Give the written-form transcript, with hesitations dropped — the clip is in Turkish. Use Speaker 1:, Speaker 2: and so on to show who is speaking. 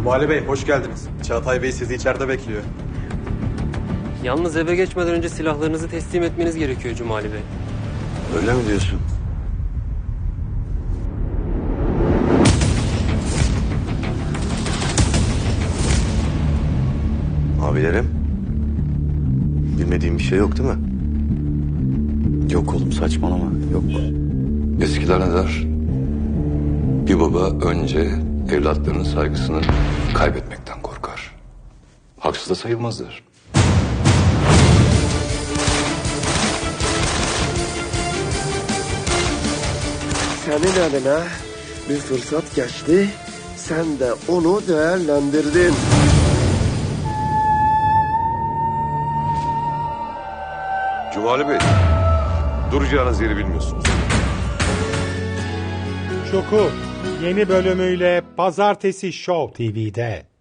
Speaker 1: Cumali Bey hoş geldiniz. Çağatay Bey sizi içeride bekliyor.
Speaker 2: Yalnız eve geçmeden önce silahlarınızı teslim etmeniz gerekiyor Cumali Bey.
Speaker 3: Öyle mi diyorsun? Abilerim, bilmediğim bir şey yok değil mi?
Speaker 4: Yok oğlum, saçmalama. Yok.
Speaker 5: Eskiler ne der? Bir baba önce evlatlarının saygısını kaybetmekten korkar. Haksız da sayılmazlar.
Speaker 6: Senin eline bir fırsat geçti, sen de onu değerlendirdin.
Speaker 3: Cumali Bey, duracağınız yeri bilmiyorsunuz.
Speaker 7: Çukur yeni bölümüyle Pazartesi Show TV'de.